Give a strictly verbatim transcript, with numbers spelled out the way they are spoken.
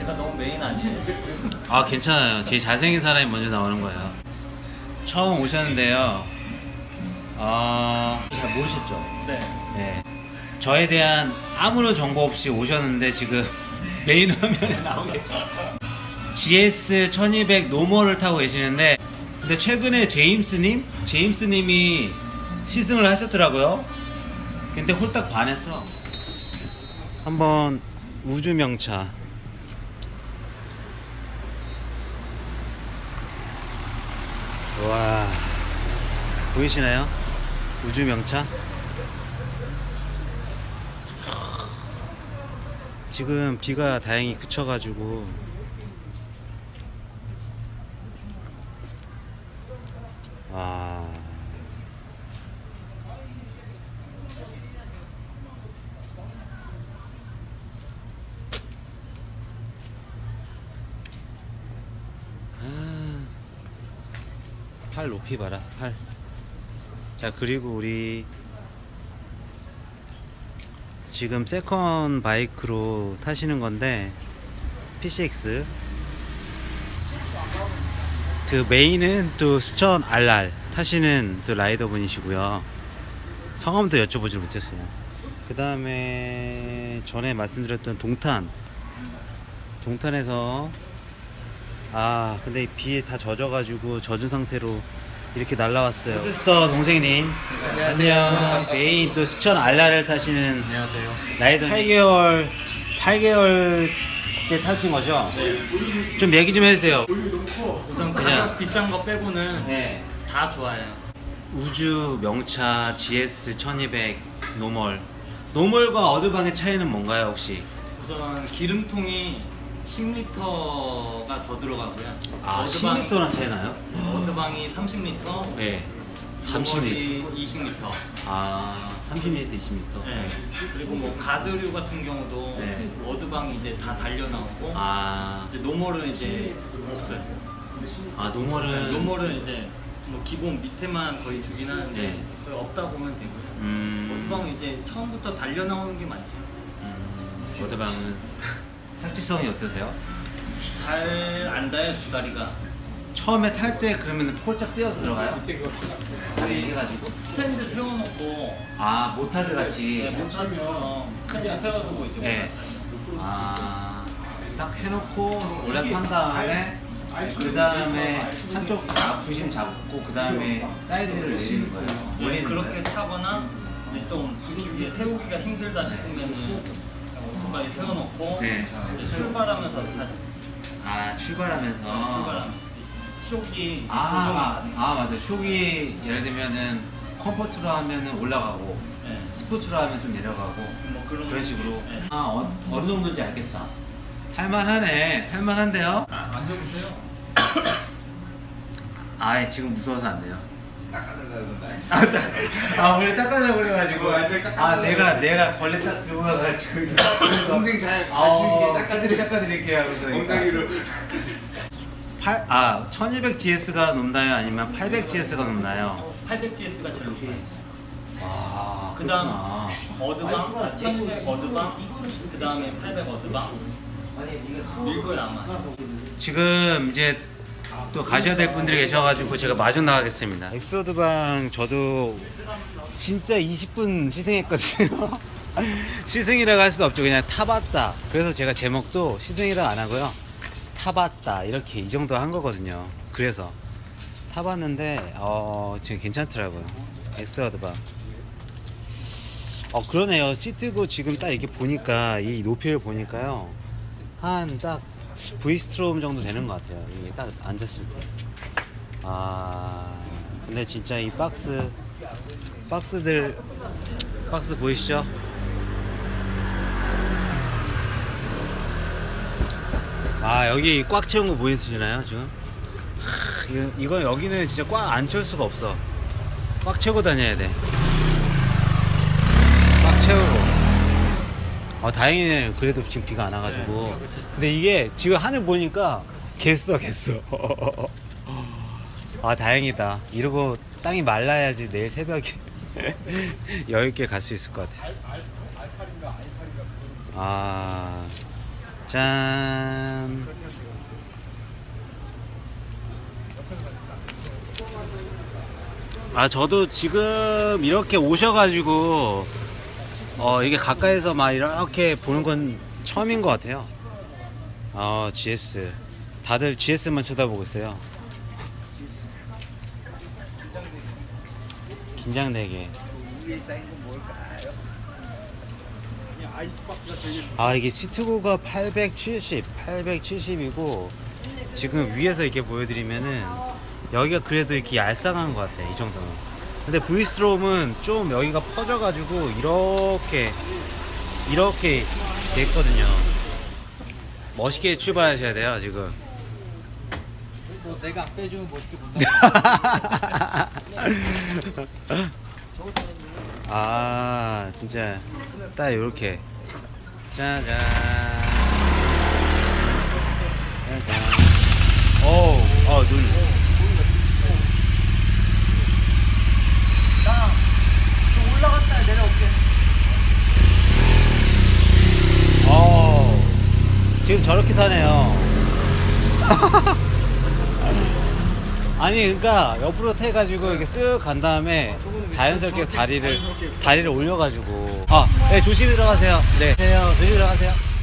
제가 너무 메인 아니에요? 아 괜찮아요. 제일 잘생긴 사람이 먼저 나오는 거예요. 처음 오셨는데요. 아, 잘 모르셨죠? 네. 네. 저에 대한 아무런 정보 없이 오셨는데 지금 메인 화면에 나오고 계셔. 지에스 천이백 노멀을 타고 계시는데, 근데 최근에 제임스님? 제임스님이 시승을 하셨더라고요. 근데 홀딱 반했어. 한번 우주명차. 와, 보이시나요? 우주명차. 지금 비가 다행히 그쳐가지고 아, 아, 팔 높이 봐라, 팔. 자, 그리고 우리 지금 세컨 바이크로 타시는 건데 피씨엑스, 그 메인은 또 스천 알알 타시는 또 라이더 분이시고요. 성함도 여쭤보지 못했어요. 그 다음에 전에 말씀드렸던 동탄, 동탄에서 아 근데 이 비에 다 젖어가지고 젖은 상태로 이렇게 날라왔어요. 푸드스터 동생님, 안녕. 메인 또 스천 알알을 타시는 안녕하세요. 라이더 팔 개월 팔 개월째 타신 거죠? 네. 좀 얘기 좀 해주세요. 우선 그냥- 가격 비싼 거 빼고는 네. 다 좋아요. 우주 명차 지에스 천이백 노멀. 노멀과 어드방의 차이는 뭔가요 혹시? 우선 기름통이 십 리터가 더 들어가고요. 아, 어드방이- 십 리터나 차이 나요? 어드방이 삼십 리터, 네. 삼십 리터. 이십 리터. 아, 삼십 리터, 이십 리터. 네. 그리고 뭐 가드류 같은 경우도 네. 어드방이 이제 다 달려 나오고, 아, 이제 노멀은 이제 없어요. 아 노멀은 노멀은 이제 뭐 기본 밑에만 거의 주긴 하는데 네. 거의 없다 보면 되고요. 음, 어드방은 이제 처음부터 달려 나오는 게 많죠. 음, 어드방은 착지성이 어떠세요? 잘 앉아요, 두 다리가. 처음에 탈 때 그러면 폴짝 뛰어서 들어가요? 다리 해가지고? 스탠드 세워놓고 아, 모타드 같이. 네, 모차처럼 스탠드 세워두고 이제 네. 아, 딱 해놓고 올라탄 다음에 그 다음에 한쪽 아, 중심 잡고 그 다음에 사이드를 내리는 거예요. 네, 올리는 그렇게 거예요. 타거나 이제 좀 이게 세우기가 힘들다 싶으면은 오토바이 세워놓고 네. 이제 출발하면서 타죠. 아, 출발하면서. 출발하면서 쇼기 아, 아, 아, 맞아. 쇼기 예를 들면은 컴포트로 하면은 올라가고 네. 스포츠로 하면 좀 내려가고 뭐 그런 그런 식으로. 네. 아, 어, 어느 정도인지 알겠다. 탈만하네. 탈만한데요? 아, 앉아보세요. 아, 지금 무서워서 안 돼요. 아, 딱- 아, 원래 닦으려고 그래가지고. 아, 내가, 내가 걸레 딱 들고 가가지고. 동생 잘 아, 가시는 게 닦아드리, 닦아드릴게요. 하면서. 엉덩이로 팔, 아, 천이백 지에스가 높나요? 아니면 팔백 지에스가 높나요? 팔백 지에스가 제일 높아요. 와, 그 다음 그렇구나. 어드방, 아, 천이백 어드방, 그 다음에 팔백 어드방. 밀걸 아마. 지금 이제 또 가셔야 될 분들이 계셔가지고 제가 마중 나가겠습니다. 엑소드방 저도 진짜 이십 분 시승했거든요. 시승이라고 할 수도 없죠. 그냥 타봤다. 그래서 제가 제목도 시승이라 안 하고요. 타봤다. 이렇게 이 정도 한 거거든요. 그래서 타봤는데 어, 지금 괜찮더라고요. 엑소드방. 어 그러네요. 시트고 지금 딱 이렇게 보니까 이 높이를 보니까요. 한 딱 V스트롬 정도 되는 것 같아요. 이게 딱 앉았을 때. 아, 근데 진짜 이 박스, 박스들, 박스 보이시죠? 아, 여기 꽉 채운 거 보이시나요, 지금? 하, 이거, 이거 여기는 진짜 꽉 안 채울 수가 없어. 꽉 채우고 다녀야 돼. 꽉 채우고. 어, 다행이네. 그래도 지금 비가 안 와가지고. 근데 이게 지금 하늘 보니까 겠어, 겠어. 아, 다행이다. 이러고 땅이 말라야지 내일 새벽에 여유있게 갈 수 있을 것 같아. 아, 짠. 아 저도 지금 이렇게 오셔가지고 어 이게 가까이서 막 이렇게 보는 건 처음인 것 같아요. 아 지에스 다들 지에스만 쳐다보고 있어요. 긴장되게. 아 이게 시트고가 팔백칠십, 팔백칠십이고 지금 위에서 이렇게 보여드리면은 여기가 그래도 이렇게 얄쌍한 것 같아 이 정도는. 근데 브이스트롬은 좀 여기가 퍼져가지고 이렇게 이렇게 됐거든요. 멋있게 출발하셔야 돼요 지금. 뭐 내가 안 빼주면 멋있게 본다. 아 진짜 딱 요렇게 짜잔 짜잔. 오우 어눈 좀 올라갔다 내려올게. 어 지금 저렇게 타네요. 아니 그러니까 옆으로 태가지고 이렇게 쓱 간 다음에 자연스럽게 다리를 다리를 올려가지고 아 네 조심히 들어가세요. 네 조심히 들어가세요.